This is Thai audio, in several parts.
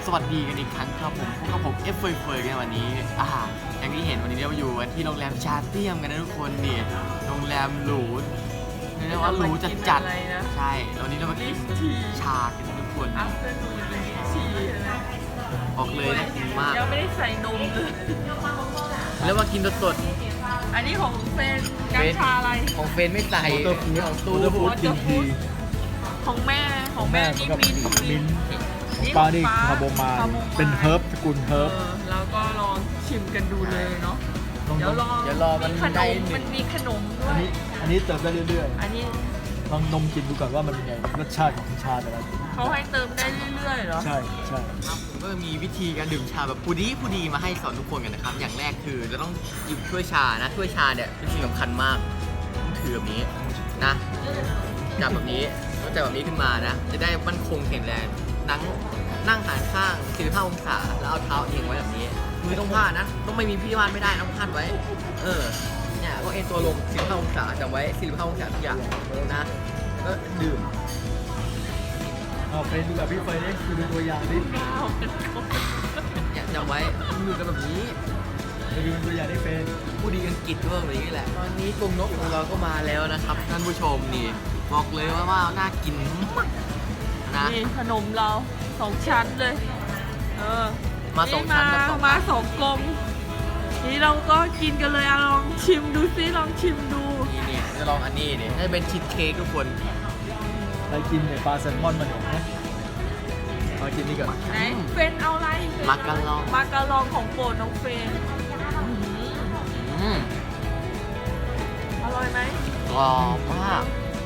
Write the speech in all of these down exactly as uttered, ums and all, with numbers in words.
สวัสดีกันอีกครั้งครับผมพบกับผมเอฟเฟยเฟยกันวันนี้อ่าอย่างที่เห็นวันนี้เราอยู่กันที่โรงแรมชาเตียมกันนะทุกคนนี่โรงแรมหรูเรียกว่าหรูจัดจัดใช่วันนี้เรามากินชากันทุกคนอัฟเตอร์นูนเลยชีอะไรบอกเลยนะกินมากยังไม่ได้ใส่นมเลยแล้วมากินสดอันนี้ของเฟนกัญชาอะไรๆของเฟนไม่ใส่วอเตอร์ฟู้ดของวตู้อเตอร์ฟู้ดกินทีของแม่ของแม่นี่กับมินมิ้นท์ของป้านี่คาโบมายเป็นเฮิร์บสกุลเฮิร์บแล้วก็ลองชิมกันดูเลยเนาะเดี๋ยวรอเดี๋ยวรอมันขนได้มหนึ่มันงมีขนมด้วอันยนี้อันนี้เติมได้เรื่อยอันนี้ๆลองนมกินดูก่อนว่ามันเป็นไงรสชาติของชาแต่ละเขาให้เติมได้เรื่อยๆเหรอใช่ใช่ครับผมก็มีวิธีการดื่มชาแบบผู้ดีผู้ดีมาให้สอนทุกคนกันนะครับอย่างแรกคือเราต้องหยิบถ้วยชานะถ้วยชาเนี่ยเป็นสิ่งสำคัญมากต้องถือแบบนี้นะจับแบบนี้ต้องจับแบบนี้ขึ้นมานะจะได้มั่นคงแข็งแรงนั่งนั่งหันข้างสี่สิบห้าองศาแล้วเอาเท้าเอียงไว้แบบนี้มือต้องพาดนะต้องไม่มีพี่วานไม่ได้ต้องพาดไว้เออเนี่ยก็เอ็นตัวลงสี่สิบห้าองศาจำไว้สี่สิบห้าองศาทุกอย่างนะก็ดื่มเอาเฟรนดูกับพี่เฟรนดิดูตัวอย่างดิเอาเป็นคนเนี่ยจำไว้มือกันแบบนี้ดูเป็นตัวอย่างได้เฟรนผู้ดีอังกฤษก็แบบนี้แหละ ตอนนี้กรงนกของเราก็มาแล้วนะครับท่านผู้ชมนี่บอกเลยว่าว่าน่ากินมากนะนี่ขนมเราสองชั้นเลย เออมาสองชั้นมากับสองมาสองกลมนี่เราก็กินกันเลยอะลองชิมดูซิลองชิมดูนี่เนี่ยจะลองอันนี้นี่น่าจะเป็นชีสเค้กทุกคนไปกินเนี่ยปลาแซลมอนมันเนี่ยนะมากินนี่ก่อนไหนเฟนเอาอะไรมากันลองมาการองของโปรดน้องเฟนอื้อหืออืมอร่อยไหมกรอบมาก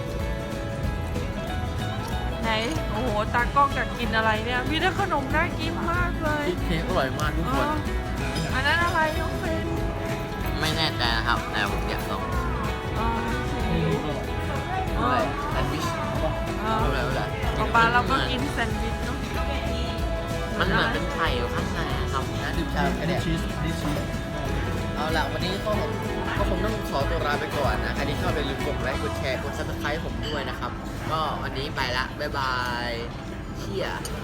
ไหนโอ้โหตากล้องอยากกินอะไรเนี่ยมีแต่ขนมน่ากินมากเลยชีสเค้กอร่อยมากทุกเอคนออันนั้นอะไรน้องเฟนไม่แน่ใจนะครับแต่ผมอยากลองเออนี่นี่ก็อร่อยเออะไรอแซนด์วิชเอาป่ะเอไม่อเป็นไรไม่เป็นไรต่อไปเราก็กินแซนด์วิชเนาะมันเหมือนเป็นไข่อยู่ข้างในนะครับนะดื่มชาแค่อันนี้เนี้ยชีสอันนี้ชีสเอาล่ะวันนี้ก็ผมก็คงต้องขอตัวลาไปก่อนนะใครที่ชอบอย่าลืมกดไลค์กดแชร์กดซับสไครต์ผมด้วยนะครับ ก็วันนี้ไปละบ๊ายบายเชี่ย